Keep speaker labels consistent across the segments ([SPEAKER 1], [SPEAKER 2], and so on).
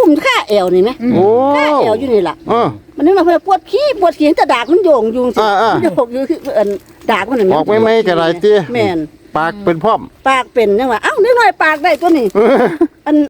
[SPEAKER 1] กุ้มค่าแอวนี่ไหมค่าแอวอยู่นี่ล่ะมันนึกว่าเพื่อปวดขี้แต่ดากมันโยงยุงสิโยงอยู่คือดากมันนี่
[SPEAKER 2] ออกไม่กระไรเตี้ย
[SPEAKER 1] แม่น
[SPEAKER 2] ปากเป็นพร้อม
[SPEAKER 1] ปากเป็นจังว่าเอ้านิดหน่อยปากได้ตัวนี้อัน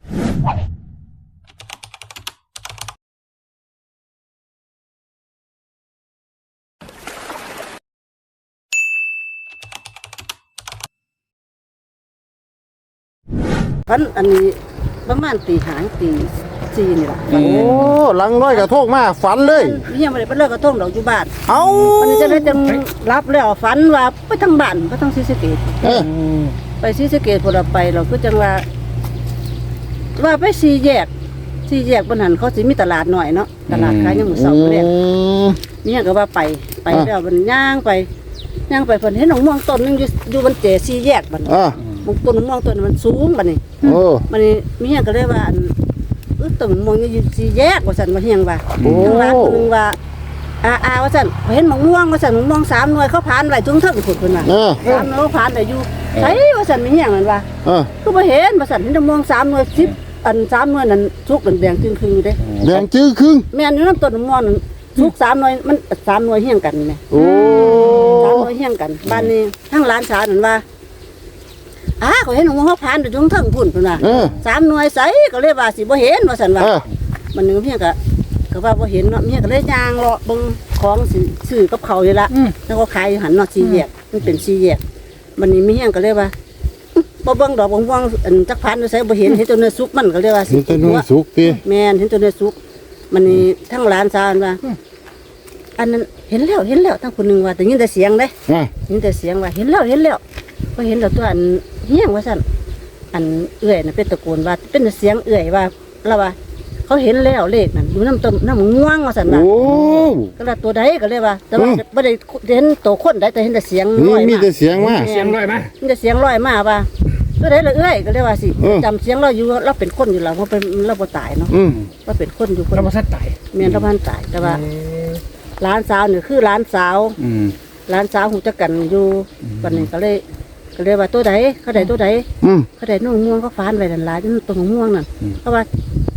[SPEAKER 1] อันนี้ประมาณตีหางตี4นี่ล่ะ
[SPEAKER 2] โอ้หลังน้อยกระโทกมาฝันเลย
[SPEAKER 1] เฮียบ่ได้ไปเลิกกระทงดอกอยู่บ้าน
[SPEAKER 2] เอ้า
[SPEAKER 1] มันจะได้จังรับแล้วฝันว่าไปทางบ้านไปทางศรีสะเกษไปศรีสะเกษพุ่นไปเราก็จังว่าไป4แยกบนหันเขาสิมีตลาดหน่อยเนาะตลาดขายยามมื้อเช้าแรกนี่ก็ว่าไปแล้วมันย่างไปเพิ่นเห็นหนองม่วงต้นนึงอยู่บนเจ4แยกบัดนี้มันต้นม่วงต้นมันสูงบัดนี้มันนี่มีหยังก็เลยว่าต้นม่วงอยู่4แยกว่าซั่นว่าเฮียงว่าทางร้านคนนึงว่าว่าซั่นเห็นหนองม่วงว่าซั่นหนองม่วง3หน่วยเขาผ่านไว้ถึงเทิงพุ่นเพิ่นว่า3หน่วยผ่านได้อยู่ไสว่าซั่นมีหยังนั่นว่าคือบ่เห็นว่าซั่นเห็นหนองม่วง3หน่วย10อัน3หน่วยนั้นสุกแดงๆครึ่งๆอยู่เด้
[SPEAKER 2] แดงจื้อครึ่ง
[SPEAKER 1] แม่นอยู่นำต้นม่วงนั้นทุก3หน่วยมัน3หน่วยเฮียงกันแม่
[SPEAKER 2] โอ้
[SPEAKER 1] 3หน่วยเฮียงกันบ้านนี้ทั้งร้านสาวนั่นว่าเขาเห็นหงเขาผ่านอยู่ตรงเทิงพุ่นพุ่นน่ะ3หน่วยไสก็เลยว่าสิบ่เห็นว่าซั่นว่ามันนึงเฮียก็ว่าบ่เห็นเนาะเฮียก็เลยย่างเลาะเบิ่งของซื้อกับเขาอยู่ละแล้วก็ขายอยู่หั่นเนาะ4แยกมันเป็น4แยกมันนี่มีเฮียก็เลยว่าบ่เบิ่งดอกม่วงอันจักพันอยู่ไสบ่เห็นเห็นตัวเนื้อสุกมันก็เลยว่าสิ
[SPEAKER 2] เห็นตัวเนื้อสุกติ
[SPEAKER 1] แม่นเห็นตัวเนื้อสุกมันนี่ทั้งร้านสาวว่าอันนั้นเห็นแล้วทั้งคนนึงว่าแต่ยินแต่เสียงเด้ยินแต่เสียงว่าเห็นแล้วบ่เห็นแล้วตัวอันเฮียงว่าซั่นอันเอื้อยน่ะเป็นตะโกนว่าเป็นเสียงเอื้อยว่าแล้วว่าเขาเห็นแล้วเลขนั่นอยู่น้ำง่วงว่าซั่นว่าก็ละตัวใดก็เลยว่าแต่ว่าบ่ได้เห็นตัวคนได้แต่เห็นแต่เสียงลอยมา
[SPEAKER 2] มีแต่เสียงมา
[SPEAKER 1] มีแต่เสียงลอยมาว่าตัวใดละเอื้อยก็เลยว่าสิจำเสียงเราอยู่เราเป็นคนอยู่แล้วเพราะเป็นเราบ่ตายเนาะว่าเป็นคนอยู่คน
[SPEAKER 3] เราบ่ทันตาย
[SPEAKER 1] แม่นเราบ่ทันตายแต่ว่าร้านสาวนี่คือร้านสาวฮู้จักกันอยู่วันนี้ก็เลยว่าตัวใดเขาได้ตัวใดเขาได้น้องม่วงเขาฟานไว้นั่นล่ะอยู่ต้นม่วงนั่นเขาว่า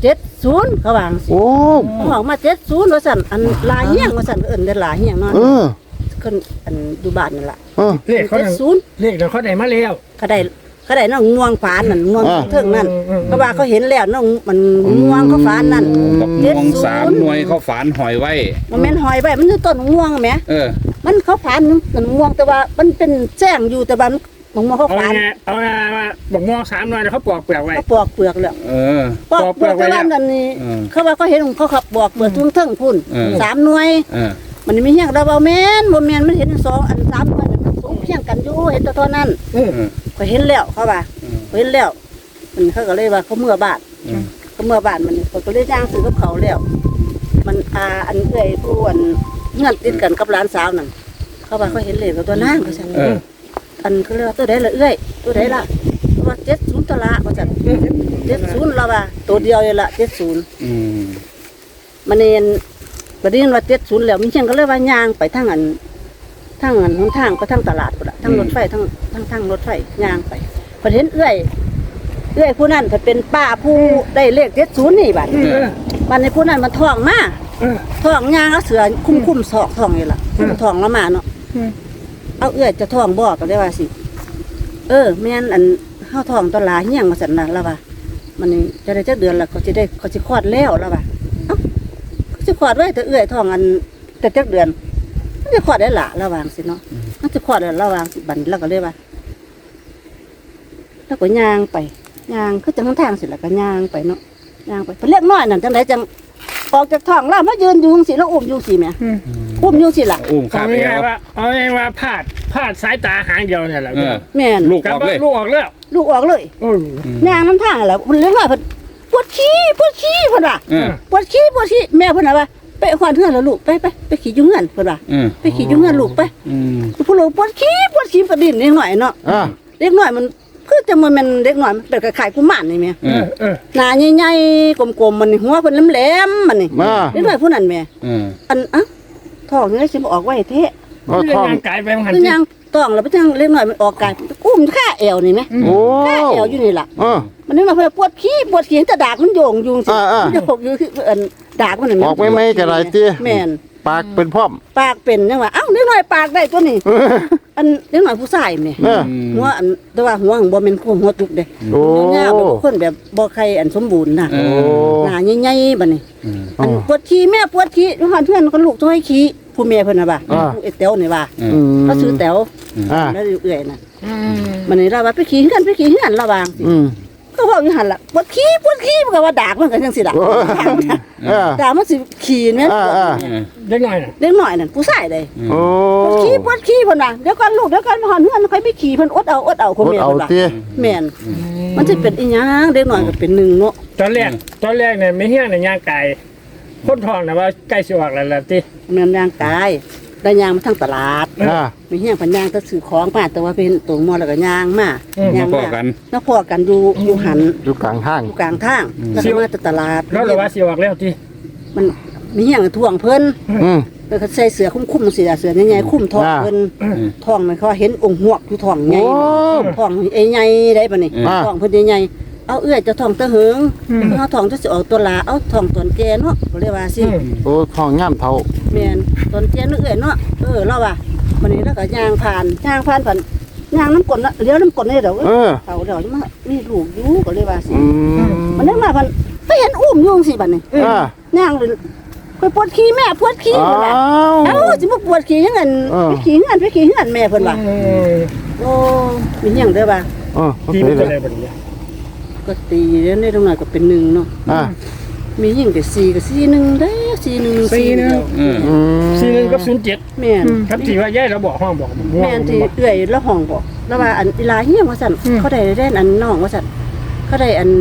[SPEAKER 1] 70เขาวาจังซี่เขาบอกมา70ว่าซั่นอันลาเฮียงว่าซั่นเอิ้นได้ลาเฮียงเนาะคนอันอยู่บ้านนั่นล่ะ
[SPEAKER 3] เลขเขา70เลขเขาได้มาแล้ว
[SPEAKER 1] เขาได้น้องม่วงฟานนั่นม่วงเทิงนั่นเพราะว่าเขาเห็นแล้วน้องมันม่วงเขาฟานนั่น
[SPEAKER 4] ม่วง3หน่วยเขาฝานหอยไว้
[SPEAKER 1] มันแม่นหอยไว้มันคือต้นม่วงแหมมันเขาฟานมันม่วงแต่ว่ามันเป็นแจ้งอยู่แต่ว่าม่วงเขาฟาน
[SPEAKER 3] เอาว่าบอกม่วง3หน่วยเขาปอกเปลือกไว้
[SPEAKER 1] เขาปอกเปลือกแล้วปอกเปลือกไว้แล้วนั่นนี่เขาว่าเขาเห็นเขาขับปอกเปลือกเทิงพุ่น3หน่วยมันไม่เฮียงเราบ่แม่นมันเห็น2อัน3หน่วยสูงเพียงกันอยู่เห็นแต่เท่านั้นก็เห็นแล้วเขาว่าเห็นแล้วมันเขาก็เลยว่าเขาเมื่อบ้านมันเขาก็เลยย่างซื้อกับเขาแล้วมันอันเอื้อยผู้อันเงื่อนติดกันกับร้านสาวนั่นเขาว่าเขาเห็นเลยกับตัวนั่งเขาสั่งอันเขาเรียกว่าตัวใดละเอื้อยตัวใดละว่า70ตัวละเขาสั่ง70เราว่าตัวเดียวเลยละ70มันเองประเด็นว่า70แล้วมีเชียงก็เลยว่าย่างไปทางอันหนทางก็ทางตลาดพุ่นล่ะทางรถไฟทางรถไฟย่างไปพอเห็นเอื้อยผู้นั้นถ้าเป็นป้าผู้ได้เลข70นี่บัดในผู้นั้นมันท้องมาท้องย่างเอาเสือคุ้มศอกท้องนี่ล่ะท้องละมาเนาะเอาเอื้อยจะท้องบ่ก็ได้ว่าสิแม่นอันเฮาท้องตลาดเฮียงว่าซั่นน่ะล่ะว่ามันนี่จะได้จักเดือนละเขาสิคลอดแล้วล่ะว่าเขาสิคลอดไว้แต่เอื้อยท้องอันแต่จักเดือนมันจะคลอดได้ล่ะระวังสิเนาะมันจะคลอดได้ระวังสิบัดแล้วก็เลยว่าแล้วก็ย่างไปย่างคือจังทางสิแล้วก็ย่างไปเนาะย่างไปเพิ่นเล็กน้อยนั่นจังได๋จังออกจากท้องแล้วมายืนอยู่จังซี่แล้วอุ้มอยู่สิแม่อุ้มอยู่สิล่ะ
[SPEAKER 3] ขาไปแล้วเอาไงว่าพลาดสายตาหางเดียวเนี่ยแหละ
[SPEAKER 1] แม่น
[SPEAKER 4] ลูกออก
[SPEAKER 1] เลยย่างนำทางแล้วเพิ่นเล็กน้อยเพิ่นปวดขี้เพิ่นว่าปวดขี้แม่เพิ่นว่าไปขวานเฮือนแล้วลูกไปขี่อยู่เฮือนเพิ่นว่าไปขี่อยู่เฮือนลูกไปผู้ลูกปวดขี้ประดิษฐ์เล็กน้อยเนาะเล็กน้อยมันคือจังมันเล็กน้อยมันเป็นคล้ายๆกุมารนี่แม่หน้าใหญ่ๆกลมๆมันหัวเพิ่นแหลมๆมันนี่เล็กน้อยผู้นั้นแม่อันท้องนี่สิบ่ออกไว้แท้
[SPEAKER 3] ท้องกายไปมัน
[SPEAKER 1] ยังท้องแล้วไปจังเล็กน้อยมันออกกายกุ้มค่าแอวนี่แม่ค่าแอวอยู่นี่ล่ะมันนึกว่าเพิ่นปวดขี้แต่ดากมันโยงอยู่สิมันโยงอยู่คืออันดากมันนั่น
[SPEAKER 2] ออกไม่กระไรติ
[SPEAKER 1] แม่น
[SPEAKER 2] ปากเป็นพร้อม
[SPEAKER 1] ปากเป็นจังว่าเอ้าเด็กน้อยปากได้ตัวนี้อันเด็กน้อยผู้ชายแม่
[SPEAKER 2] เออ
[SPEAKER 1] หัวอันแต่ว่าหัวบ่แม่นหัวจุกเด้
[SPEAKER 2] โอ้
[SPEAKER 1] ยาวๆแบบคนแบบบ่ใครอันสมบูรณ์น่ะ
[SPEAKER 4] เอ
[SPEAKER 2] โอ้
[SPEAKER 1] หน้าใหญ่ๆบัดนี้
[SPEAKER 2] อ๋อ
[SPEAKER 1] ปวดขี้แม่ปวดขี้เพื่อนก็ลูกต้องให้ขี้ผู้แม่เพิ่นน่ะว่า
[SPEAKER 2] อ่า
[SPEAKER 1] ไอ้แต๋วนี่ว่า
[SPEAKER 2] อืม
[SPEAKER 1] เขาซื้อแต๋ว
[SPEAKER 2] อ่า
[SPEAKER 1] แล้วเอื่อยน่ะมันนี่เราว่าไปขี้เฮือนระวัง
[SPEAKER 2] อืม
[SPEAKER 1] ก็เว้าอยู่หั่นล่ะปวดขี้มันก็ว่าดากมันก็จังซี่ล่ะ
[SPEAKER 2] โอ้เออ
[SPEAKER 1] ดากมันสิขี้แม่น
[SPEAKER 2] อ่า
[SPEAKER 3] เล็กน้อยน่ะ
[SPEAKER 1] เด็กน้อยนั่นผู้ชายเด้
[SPEAKER 2] โอ้
[SPEAKER 1] ปวดขี้เพิ่นน่ะเดี๋ยวก่อนลูกเดี๋ยวก่อนหอนเฮือนค่อยไปขี้เพิ่นอดเอาคน
[SPEAKER 2] กด
[SPEAKER 1] แม่
[SPEAKER 2] เอา
[SPEAKER 1] เพิ่นว่า
[SPEAKER 2] ติ
[SPEAKER 1] แม่นมันสิเป็นอีหยังเด็กน้อยก็เป็นหนึ่งเนาะ
[SPEAKER 3] ตอนแรกเนี่ยไม่เฮี้ยงเนี่ยย่างไก่คนทองน่ะว่าใกล้สิออกแล้วล่ะติ
[SPEAKER 1] แม่นย่างกายได้ย่างมาทางตลาด
[SPEAKER 2] อ่า
[SPEAKER 1] มีเฮียงพันย่างก็ซื้อของมาแต่ว่าเป็นตัวมอแล้วก็ย่างมา
[SPEAKER 4] มา
[SPEAKER 1] ย่าง
[SPEAKER 4] พอกัน
[SPEAKER 1] แล้วพอกันอยู่หัน
[SPEAKER 2] อยู่กลางทาง
[SPEAKER 1] อยู่กลางทางแล้วก็มาแต่ตลาด
[SPEAKER 3] แล้วเราว่าสิออกแล้วติ
[SPEAKER 1] มันมีเฮียงท่วงเพิ่น
[SPEAKER 2] อืม
[SPEAKER 1] แล้วก็ใส่เสื้อคุ้มๆเสื้อใหญ่ๆคุ้มท้องเพิ่นท้องมันเขาเห็นองค์หวกอยู่ท้องใหญ่
[SPEAKER 2] โอ้
[SPEAKER 1] ท้องใหญ่ได้ปะนี่
[SPEAKER 2] อ่า
[SPEAKER 1] ท้องเพิ่นใหญ่ๆเอาเอื้อยจะท้องตะเหิงเอาท้องจะสิออกตัวลาเอาท้องตอนแก่เนาะก็เรียกว่าสิ
[SPEAKER 2] โอ้ทองย่ำเท่า
[SPEAKER 1] แม่นตอนแก่นึกเอื้อยเนาะเราว่าวันนี้แล้วก็ย่างผ่านย่างน้ำกลนะเลี้ยวน้ำกลนี่เดี๋ยว
[SPEAKER 2] เออ
[SPEAKER 1] เขาเดี๋ยวมามีลูกอยู่ก็เลยว่าสิ
[SPEAKER 2] อืม
[SPEAKER 1] มันนึกมาพันไปเห็นอุ้มอยู่สิบัดนี้
[SPEAKER 2] อ่า
[SPEAKER 1] ย่างเลยไปปวดขี้แม่ปวดขี้
[SPEAKER 2] อ้า
[SPEAKER 1] เพิ่นว่า
[SPEAKER 2] ว
[SPEAKER 1] เอ้าสิมาปวดขี้ยังไง
[SPEAKER 2] เออ
[SPEAKER 1] ไปขี้เฮือนแม่เพิ่นว่าโอ้มีหยังเด้อว่า
[SPEAKER 2] เออ
[SPEAKER 3] ตี
[SPEAKER 2] ตี
[SPEAKER 3] มัน
[SPEAKER 2] เล
[SPEAKER 3] จะ
[SPEAKER 2] ย
[SPEAKER 3] ได้บ่ดี
[SPEAKER 1] ก็ตีแล้วในตรงนั้นก็เป็น1เนาะ
[SPEAKER 2] อ่า
[SPEAKER 1] มีหญิงก็4ก็4 1เด้อ4 1 4เดียว
[SPEAKER 4] เออ
[SPEAKER 2] อืม
[SPEAKER 3] 41กับ07
[SPEAKER 1] แม่น
[SPEAKER 3] ครับที่ว่าย้ายเราบอกห้องบอกม่วง
[SPEAKER 1] แม่นที่เอื้อยแล้วห้องบอกแล้วว่าอันอีหลาเฮียงว่าซั่นเขาได้อันน้องว่าซั่นเขาได้อัน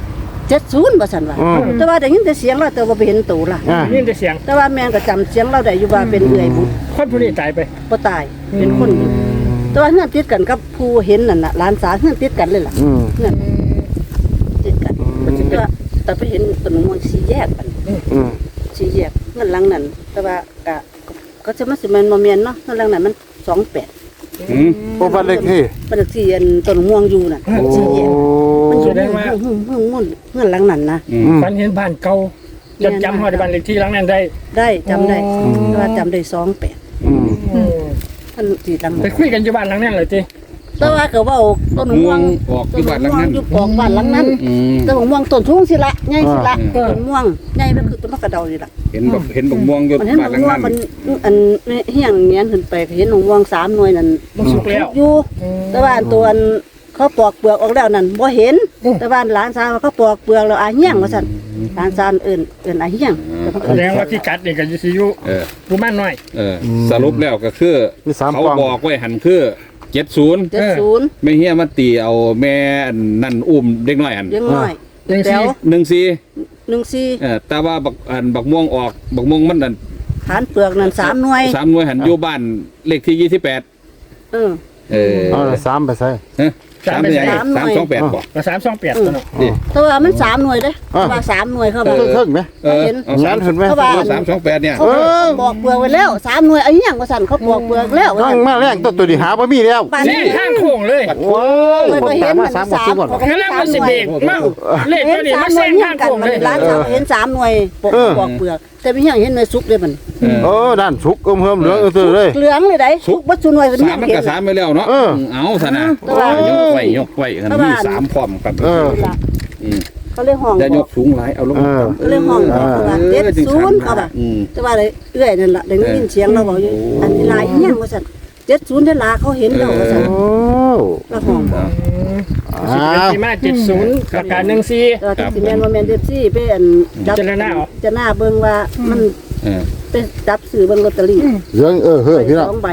[SPEAKER 1] 70ว่าซั่นว่า
[SPEAKER 2] อืม
[SPEAKER 1] แต่ว่าได้ยินแต่เสียงเราแต่ว่าบ่เห็นตัวล่ะ
[SPEAKER 2] อ่า
[SPEAKER 3] นี่ได้เสียง
[SPEAKER 1] แต่ว่าแม่นก็จำเสียงเราได้อยู่ว่าเป็นเอื้อยบุตร
[SPEAKER 3] คนผู้นี้ตายไป
[SPEAKER 1] บ่ตายเป็นคนอยู่แต่ว่าเฮือนติดกันกับผู้เห็นนั่นน่ะหลานสาวเฮือนติดกันเลยล่ะ
[SPEAKER 2] อืม
[SPEAKER 1] เฮือนติดกันแต่ว่าแต่ไปเห็นต้นมะม่วงสีแยกกัน
[SPEAKER 2] อืม
[SPEAKER 1] สีแยกเงินหลังนั้นแต่ว่าก็จะมาสิแม่นบ่แม่นเนาะเงินหลังนั้นมัน28
[SPEAKER 4] อืม
[SPEAKER 2] โอ้บ้านเล็กที่
[SPEAKER 1] บ้านเลขที่อันต้นมะม่วงอยู่น่ะ
[SPEAKER 2] โอ้
[SPEAKER 1] สีแยกมันอยู่ในเงินหลังนั้นนะ
[SPEAKER 4] อืม
[SPEAKER 3] ฝันเห็นบ้านเก่าจำฮอดบ้านเลขที่หลังนั้นได้
[SPEAKER 1] ได้จำได้แต่ว่าจำได้28
[SPEAKER 2] อืม
[SPEAKER 1] มันสิหลัง
[SPEAKER 3] ไปคุยกันอยู่บ้านหลังนั้นเลยติ
[SPEAKER 1] แต่ว่าก็เว้าต้นมะ
[SPEAKER 4] ม่
[SPEAKER 1] ม่
[SPEAKER 4] ว
[SPEAKER 1] ว
[SPEAKER 4] ง
[SPEAKER 1] ง
[SPEAKER 4] ออกที่บ้านหลังนั้น
[SPEAKER 1] อยู่ปอกบ้านหลังนั้น
[SPEAKER 4] อืม
[SPEAKER 1] ต้นม่วงต้นสูงสิละใหญ่สิละต้นม่วงใหญ่มันคือต้นมะกระเดานี่ล่ะ
[SPEAKER 4] เห็นบักม่วงอยู่
[SPEAKER 1] มันเห็น
[SPEAKER 4] บ้านหลัง
[SPEAKER 1] ม่วง
[SPEAKER 4] นั้น
[SPEAKER 1] มันอันเฮียงเงี้ยขึ้นไปก็เห็นม่วง3หน่วยนั่น
[SPEAKER 3] มันสุกแล้ว
[SPEAKER 1] อยู่แต่ว่าอันตัวอันเขาปอกเปลือกออกแล้วนั่นบ่เห็นแต่ว่าหลานสาวเขาปอกเปลือกแล้วอาเฮียงว่าซั่นหลานสาวเอิ้นอาเฮียงแต่เขา
[SPEAKER 3] แส
[SPEAKER 1] เอิ้น
[SPEAKER 3] ดงว่าที่กัดนี่ก็อยู่สิอยู่
[SPEAKER 4] เออ
[SPEAKER 3] ผู้มันน้อย
[SPEAKER 4] เออ สรุปแล้วก็คือ
[SPEAKER 2] มีสาม
[SPEAKER 4] เขา
[SPEAKER 2] กล่อง
[SPEAKER 4] บอกไว้หันคือ70
[SPEAKER 1] 70
[SPEAKER 4] ไม่เฮียมาตีเอาแม่อันนั่นอุ้มเด็กน้อยอัน
[SPEAKER 1] ยังน้อย
[SPEAKER 3] ยังสิ
[SPEAKER 1] แถว
[SPEAKER 4] 14
[SPEAKER 1] 14
[SPEAKER 4] แต่ว่าบักม่วงออกบักม่วงมันนั่น
[SPEAKER 1] ฐานเปลือกนั่น3หน่วย
[SPEAKER 4] 3หน่วยหันอยู่บ้านเลขที่28
[SPEAKER 1] เออ
[SPEAKER 4] เออ
[SPEAKER 2] เอาละ3ไปใส่
[SPEAKER 4] ฮะ3เป็นไง
[SPEAKER 1] สามหน่วย
[SPEAKER 4] 328บ่
[SPEAKER 3] ก็328ตัวเนาะ
[SPEAKER 4] นี่
[SPEAKER 1] แต่ว่ามัน3หน่วยเด้แต่ว่า3หน่วยเขา
[SPEAKER 2] เอ
[SPEAKER 1] ว่า
[SPEAKER 2] อเครื่องไหม
[SPEAKER 4] เออ
[SPEAKER 1] เห็น
[SPEAKER 4] เอา
[SPEAKER 2] งานเห็นไหม
[SPEAKER 1] เขาว่า
[SPEAKER 4] 328เนี่ย
[SPEAKER 1] เขาบอกเปลือกไว้แล้ว3หน่วยอาเฮียงว่าซั่นเขาบอกเปลือกแล้วว่า
[SPEAKER 2] ตั้
[SPEAKER 1] ซั่
[SPEAKER 2] ง
[SPEAKER 1] น
[SPEAKER 2] มาแรงตัวนี้หาบ่มีแล้ว
[SPEAKER 1] บ้าน
[SPEAKER 3] นี่
[SPEAKER 1] นี้
[SPEAKER 3] ข้างโค้งเลย
[SPEAKER 2] โอ้ยคนตามมา3 4คน
[SPEAKER 3] กำลังมันสิเบรกมาเลข
[SPEAKER 1] เห็
[SPEAKER 3] ตัวน นี้
[SPEAKER 1] สา
[SPEAKER 3] มั
[SPEAKER 1] ม
[SPEAKER 3] น
[SPEAKER 1] หน่
[SPEAKER 3] แซ
[SPEAKER 1] วย
[SPEAKER 3] ง
[SPEAKER 1] เฮีย
[SPEAKER 3] ข้าง ง
[SPEAKER 1] กัน
[SPEAKER 3] โค้ง
[SPEAKER 1] มัน
[SPEAKER 3] เลย
[SPEAKER 1] ร้านเขาเห็น3หน่วยปอกเปลือกแต่ไม่เฮียงเห็นหน่วยสุกเลยมัน
[SPEAKER 2] เออด้านสุกเฮิมเหลืองซื่อเลย
[SPEAKER 1] เหลืองเลยได้สุกบ่สุหน่วยเป็น
[SPEAKER 4] สา
[SPEAKER 1] เฮีย
[SPEAKER 4] ม
[SPEAKER 1] ง
[SPEAKER 4] มัน
[SPEAKER 1] เห็
[SPEAKER 4] ก็
[SPEAKER 1] น
[SPEAKER 4] สามไปแล้วเนาะ
[SPEAKER 2] เออ
[SPEAKER 4] เอาซะนะ
[SPEAKER 1] แต่ว่า
[SPEAKER 4] ยกไว้กันมี3พร้อมกัน
[SPEAKER 2] เออ
[SPEAKER 1] เขาเรียกห้อง
[SPEAKER 4] อย่ายกสูงหลายเอาลง
[SPEAKER 1] เขาเรียกห้องเขาว่า70เขาว่าแต่ว่าเอื้อยนั่นล่ะได้ยินเสียงเราบอกอยู่อันนี้ลายเฮียงว่าซั่น70ได้ลาเขาเห็นแล้วว่าซั่น
[SPEAKER 2] โอ้
[SPEAKER 1] แล้วห้อง
[SPEAKER 3] สิเป็นที่มา70กับการ14
[SPEAKER 1] แต่ว่าที่แม่นบ่แม่น14ไปอันจับ
[SPEAKER 3] เจรนาเหรอ
[SPEAKER 1] จะหน้าเบิ่งว่ามัน ไปจับซื้อเบิ่งลอตเตอรี่
[SPEAKER 2] เหลืองเฮ้ยพี่น้อง
[SPEAKER 1] 2ใบ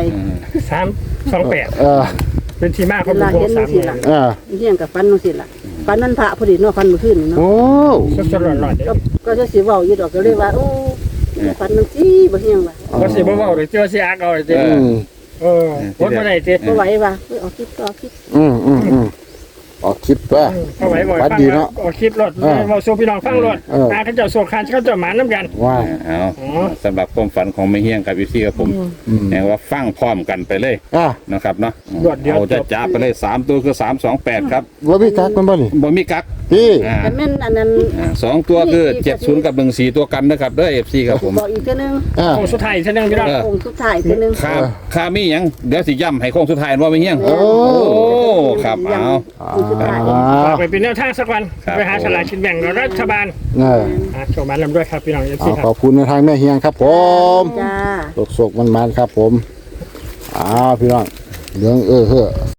[SPEAKER 3] 328
[SPEAKER 2] เออ
[SPEAKER 3] เป็นที่มาข
[SPEAKER 1] เว
[SPEAKER 3] อง
[SPEAKER 1] ลา
[SPEAKER 3] พว
[SPEAKER 1] เห็
[SPEAKER 3] ก
[SPEAKER 1] น
[SPEAKER 3] สาม
[SPEAKER 1] สิล่ะ
[SPEAKER 2] เออ
[SPEAKER 1] เฮียงกับฟันจังซี่ล่ะฟันนั้นพระพอดีเนาะฟันเมื่อคืนนี่เนาะ
[SPEAKER 2] โอ้
[SPEAKER 3] สดๆร้อนๆ
[SPEAKER 1] ก็จะสิเว้าอยู่ดอกก็เลยว่าโอ้ฟันจังซี่บ่เฮียงว่า
[SPEAKER 3] ว่าสิบ่เว้าเลยเจ้าสิอักเอาเลยติ
[SPEAKER 2] อืม
[SPEAKER 3] วดบ่ได้ติ
[SPEAKER 1] บ่ไหวว่าเอาคิดต่อคิด
[SPEAKER 2] อืม
[SPEAKER 3] แ
[SPEAKER 2] ออกคลิปว่า
[SPEAKER 3] เอาไว้บ่อย
[SPEAKER 2] ฝัน
[SPEAKER 3] ฟัง
[SPEAKER 2] ดีเนาะ
[SPEAKER 3] ออกคลิปรถ
[SPEAKER 2] เออ
[SPEAKER 3] เราสู่พี่น้องฟังรถ
[SPEAKER 2] เออ
[SPEAKER 3] เขาเจ้าโซคานเขาเจ้าหมาน้ำกัน
[SPEAKER 2] ว่า
[SPEAKER 4] เอา
[SPEAKER 3] อ๋อ
[SPEAKER 4] สำหรับความฝันของแม่เฮียงกับพี่ซี่กับผมแปลว่าฟังพร้อมกันไปเลย
[SPEAKER 2] อ่ะ
[SPEAKER 4] นะครับเนาะ
[SPEAKER 3] รวดเดียว
[SPEAKER 4] เอาจะจับไปเลย3ตัวคือ328ครับ
[SPEAKER 2] ว่ามีกักมันบ่นี่
[SPEAKER 4] บ่มีกัก
[SPEAKER 2] พี่
[SPEAKER 4] อ่า
[SPEAKER 1] แต่แม่นอันนั้น
[SPEAKER 4] สองตัวคือ70กับ14ตัวกันนะครับเด้อ FC ครับผม
[SPEAKER 1] บอกอีกเทื่อนึง
[SPEAKER 2] อ่ะ
[SPEAKER 3] โอ้สุดท้ายอีกเท่านึงพี่น้อง
[SPEAKER 1] องค์สุดท้ายเทื่อนึง
[SPEAKER 4] ค่ามีหยังเดี๋ยวสิย้ำให้โค้งสุดท้ายว่าแม่เฮียง
[SPEAKER 2] โอ้
[SPEAKER 4] โอ้ครับเอา
[SPEAKER 1] องค์สุดท้าย
[SPEAKER 3] ฝากไปเป็นแนวทางสักวัน
[SPEAKER 4] ครับ
[SPEAKER 3] ไปหาสลากกินแบ่งรัฐบาล
[SPEAKER 2] เออ
[SPEAKER 3] โชว์มันลำด้วยครับพี่น้องเอฟซี
[SPEAKER 2] เอา
[SPEAKER 3] ค
[SPEAKER 2] ข
[SPEAKER 3] รั
[SPEAKER 2] อ
[SPEAKER 3] บบ
[SPEAKER 2] คุณในทางแม่เฮียงครับผม
[SPEAKER 1] จ้า
[SPEAKER 2] โศกๆมันๆครับผมอ้าวพี่น้องเหลืองเฮ้อ